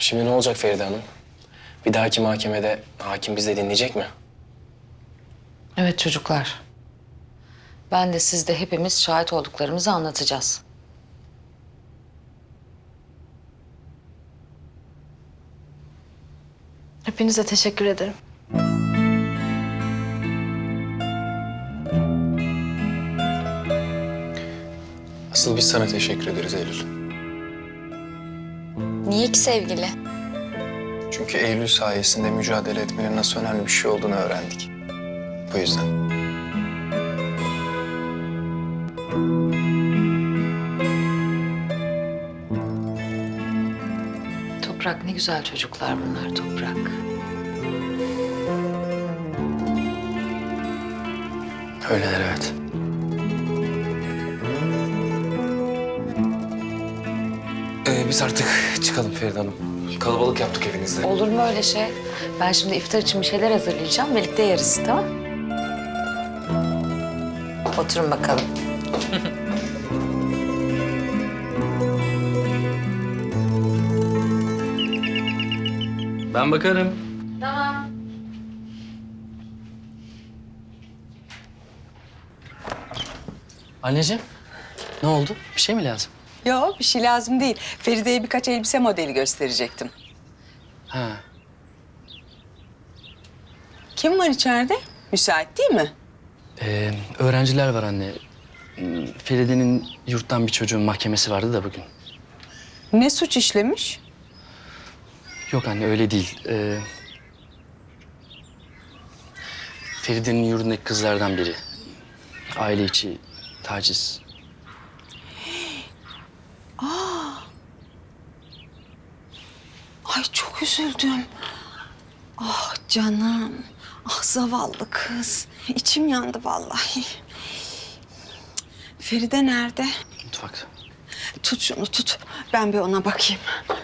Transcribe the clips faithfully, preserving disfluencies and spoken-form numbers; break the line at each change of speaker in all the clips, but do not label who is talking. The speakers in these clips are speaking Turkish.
Şimdi ne olacak Feride Hanım? Bir dahaki mahkemede hakim bizi dinleyecek mi?
Evet çocuklar. Ben de siz de hepimiz şahit olduklarımızı anlatacağız.
Hepinize teşekkür ederim.
Asıl biz sana teşekkür ederiz Eylül.
Niye ki sevgili?
Çünkü Eylül sayesinde mücadele etmenin nasıl önemli bir şey olduğunu öğrendik. Bu yüzden.
Toprak ne güzel çocuklar bunlar Toprak.
Öyleler evet. Ee, biz artık çıkalım Feride Hanım. Kalabalık yaptık evinizde.
Olur mu öyle şey? Ben şimdi iftar için bir şeyler hazırlayacağım. Birlikte yeriz tamam? Oturun bakalım.
Ben bakarım.
Tamam.
Anneciğim, ne oldu? Bir şey mi lazım?
Yok, bir şey lazım değil. Feride'ye birkaç elbise modeli gösterecektim.
Ha,
Kim var içeride? Müsait değil mi?
ee, öğrenciler var anne. Hmm, Feride'nin yurttan bir çocuğun mahkemesi vardı da bugün.
Ne suç işlemiş?
Yok anne, öyle değil. Ee, Feride'nin yurdundaki kızlardan biri. Aile içi taciz.
Ay çok üzüldüm. Ah canım. Ah zavallı kız. İçim yandı vallahi. Feride nerede?
Mutfakta.
Tut şunu tut. Ben bir ona bakayım.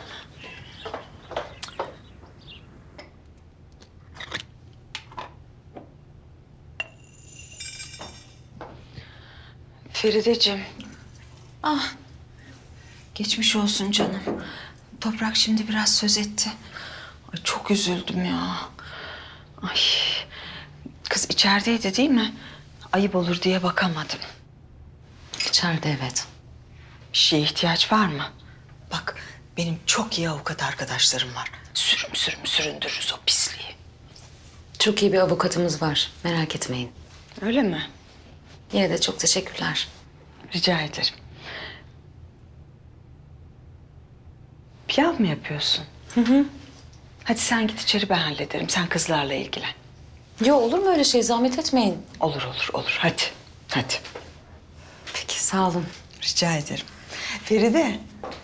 Ferideciğim. Ah. Geçmiş olsun canım. Toprak şimdi biraz söz etti. Ay çok üzüldüm ya. Ay. Kız içerideydi değil mi? Ayıp olur diye bakamadım.
İçeride evet.
Bir şeye ihtiyaç var mı? Bak benim çok iyi avukat arkadaşlarım var. Sürüm sürüm süründürürüz o pisliği.
Çok iyi bir avukatımız var. Merak etmeyin.
Öyle mi?
Yine de çok teşekkürler.
Rica ederim. Pilav mı yapıyorsun? Hı hı. Hadi sen git içeri ben hallederim. Sen kızlarla ilgilen.
Yo olur mu öyle şey? Zahmet etmeyin.
Olur olur olur. Hadi. Hadi.
Peki sağ olun.
Rica ederim. Feride.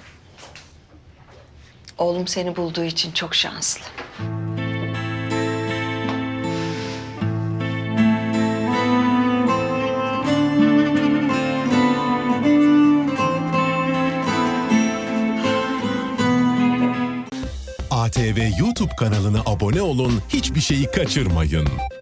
Oğlum seni bulduğu için çok şanslı.
A T V YouTube kanalına abone olun, hiçbir şeyi kaçırmayın.